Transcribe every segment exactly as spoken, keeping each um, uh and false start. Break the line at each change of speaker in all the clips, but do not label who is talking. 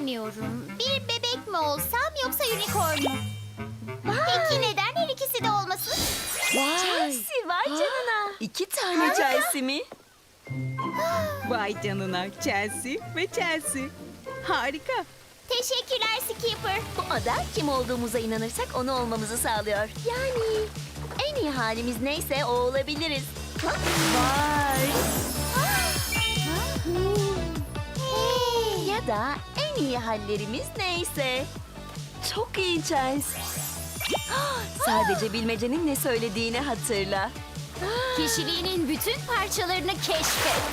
bilemiyorum. Bir bebek mi olsam yoksa unicorn mu? Peki neden her ikisi de olmasın?
Vay.
Chelsea vay canına.
İki tane Chelsea mi?
Vay canına Chelsea ve Chelsea. Harika.
Teşekkürler Skipper.
Bu ada kim olduğumuza inanırsak onu olmamızı sağlıyor. Yani en iyi halimiz neyse o olabiliriz.
Vay.
Hey.
Ya da en iyi hallerimiz neyse.
Çok iyi Chelsea. Sadece bilmecenin ne söylediğini hatırla.
Kişiliğinin bütün parçalarını keşfet.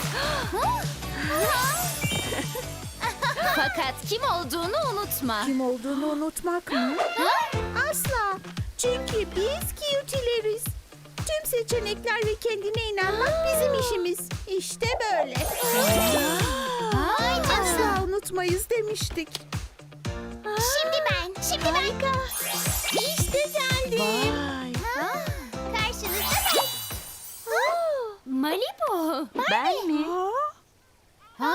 Fakat kim olduğunu unutma.
Kim olduğunu unutmak mı? Asla. Çünkü biz cutileriz. Tüm seçenekler ve kendine inanmak bizim işimiz. İşte böyle.
Vay canına.
Asla unutmayız demiştik.
Şimdi ben, şimdi ben. İşte geldim.
Vay.
Ha, karşınızda ben. Malibu.
Ben mi?
Ha?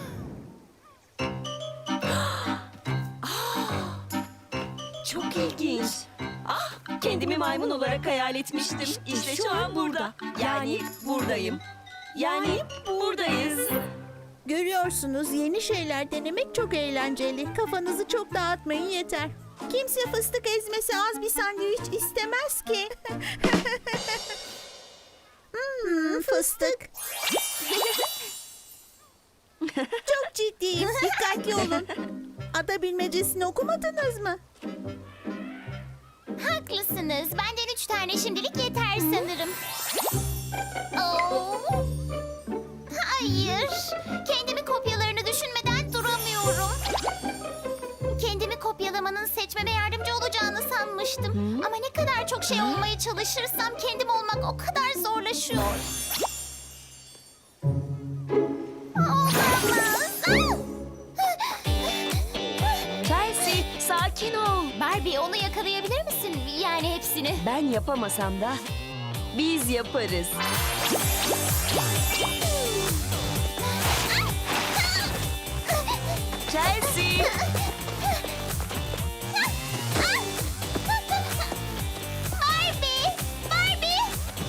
Çok ilginç. Ah, kendimi maymun olarak hayal etmiştim. İşte şu an burada. Yani buradayım. Yani buradayız.
Görüyorsunuz, yeni şeyler denemek çok eğlenceli. Kafanızı çok dağıtmayın yeter. Kimse fıstık ezmesi az bir sandviç istemez ki. hmm, fıstık. Çok ciddiyim. Dikkatli olun. Ada bilmecesini okumadınız mı?
Haklısınız. Benden üç tane şimdilik yeter sanırım. Oo. Hayır. Kendimi kopyalarını düşünmeden duramıyorum. Kendimi kopyalamanın seçmeme yardımcı olacağını sanmıştım. Ama ne kadar çok şey olmaya çalışırsam kendim olmak o kadar zorlaşıyor. Olamaz.
Chelsea, sakin ol.
Barbie, onu yakalayabilir misin? Yani hepsini.
Ben yapamasam da biz yaparız. Chelsea.
Barbie! Barbie!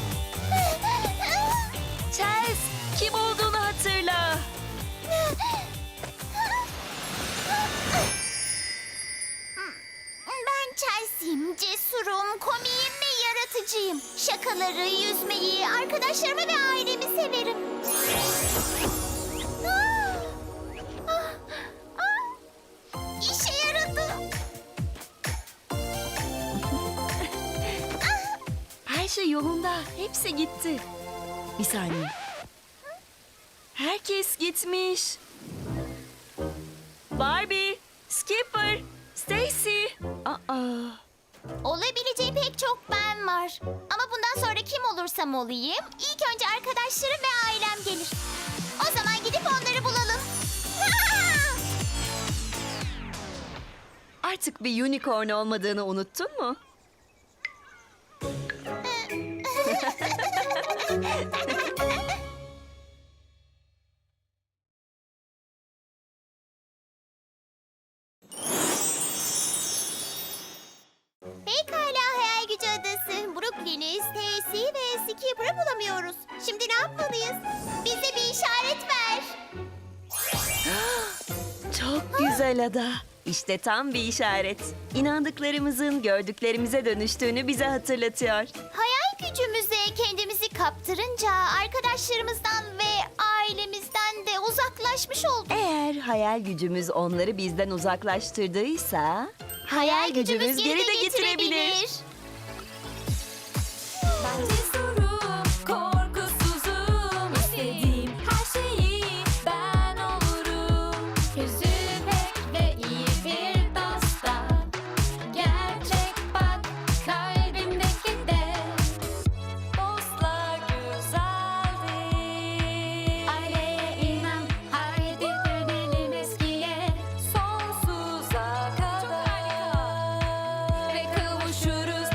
Chelsea, kim olduğunu hatırla.
Ben Chelsea'yim, cesurum, komiyim ve yaratıcıyım. Şakaları, yüzmeyi, arkadaşlarımı ve ailemi severim. Ah! Ah! Ah! İşe yaradı.
Her şey yolunda. Hepsi gitti. Bir saniye. Herkes gitmiş. Barbie, Skipper, Stacy. Aa.
Olabileceği pek çok ben var. Ama bundan sonra kim olursam olayım, ilk önce arkadaşlarım ve ailem gelir. O zaman gidip onları bulalım.
Artık bir unicorn olmadığını unuttun mu?
Pekala Hayal Gücü Adası. Brooklyn'i, Stacy ve Skipper'ı bulamıyoruz. Şimdi ne yapmalıyız? Bize bir işaret ver.
Çok güzel ada. İşte tam bir işaret. İnandıklarımızın gördüklerimize dönüştüğünü bize hatırlatıyor.
Hayal gücümüze kendimizi kaptırınca arkadaşlarımızdan ve ailemizden de uzaklaşmış olduk.
Eğer hayal gücümüz onları bizden uzaklaştırdıysa... Hayal gücümüz geri de getirebilir.
Ben cesurum, korkusuzum. İstediğim her şeyi ben olurum. Yüzü pek ve iyi bir dosta. Gerçek bak kalbimdeki de. Dostlar güzeldir. Aileye inan, haydi dönelim eskiye. Sonsuza kadar. Ve kavuşuruz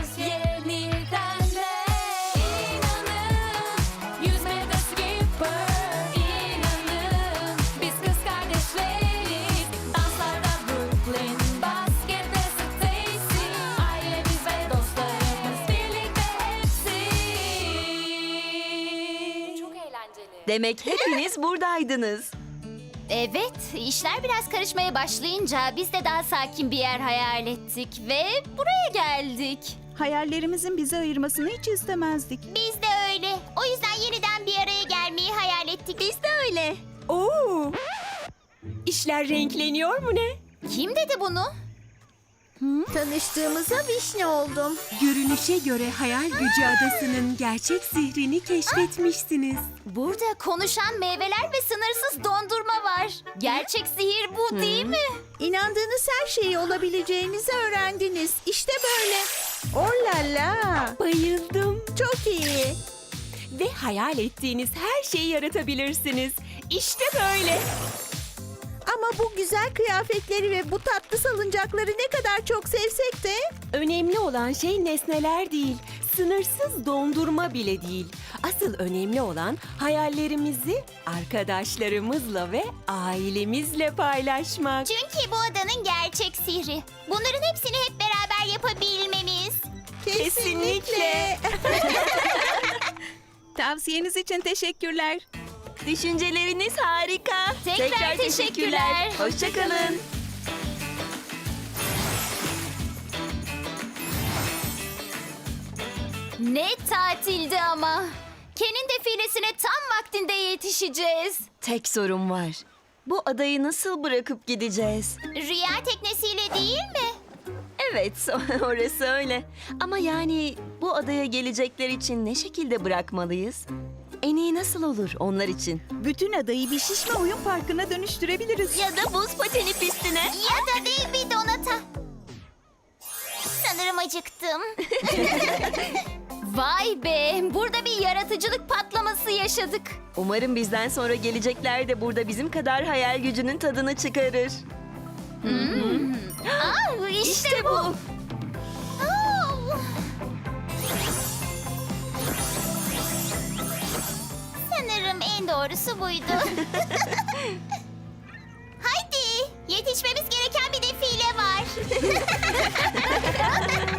Demek hepiniz buradaydınız.
Evet, işler biraz karışmaya başlayınca biz de daha sakin bir yer hayal ettik ve buraya geldik.
Hayallerimizin bizi ayırmasını hiç istemezdik.
Biz de öyle. O yüzden yeniden bir araya gelmeyi hayal ettik. Biz de öyle.
Oo! İşler renkleniyor mu ne?
Kim dedi bunu?
Tanıştığımıza vişne oldum.
Görünüşe göre hayal gücü adasının gerçek sihrini keşfetmişsiniz.
Burada konuşan meyveler ve sınırsız dondurma var. Gerçek sihir bu değil mi?
İnandığınız her şeyi olabileceğinizi öğrendiniz. İşte böyle. Oh la la.
Bayıldım.
Çok iyi.
Ve hayal ettiğiniz her şeyi yaratabilirsiniz. İşte böyle.
Ama bu güzel kıyafetleri ve bu tatlı salıncakları ne kadar çok sevsek de
Önemli olan şey nesneler değil, sınırsız dondurma bile değil. Asıl önemli olan hayallerimizi arkadaşlarımızla ve ailemizle paylaşmak.
Çünkü bu adanın gerçek sihri. Bunların hepsini hep beraber yapabilmemiz.
Kesinlikle.
Tavsiyeniz için teşekkürler.
Düşünceleriniz harika.
Tekrar teşekkürler.
Hoşça kalın.
Ne tatildi ama. Ken'in defilesine tam vaktinde yetişeceğiz.
Tek sorun var. Bu adayı nasıl bırakıp gideceğiz?
Rüya teknesiyle değil mi?
Evet, orası öyle. Ama yani bu adaya gelecekler için ne şekilde bırakmalıyız? En iyi nasıl olur onlar için?
bütün adayı bir şişme oyun parkına dönüştürebiliriz.
Ya da buz pateni pistine.
Ya da değil bir donata. Sanırım acıktım. Vay be, burada bir yaratıcılık patlaması yaşadık.
Umarım bizden sonra gelecekler de burada bizim kadar hayal gücünün tadını çıkarır.
Aa, işte, bu. Aa. Sanırım en doğrusu buydu. Haydi, yetişmemiz gereken bir defile var.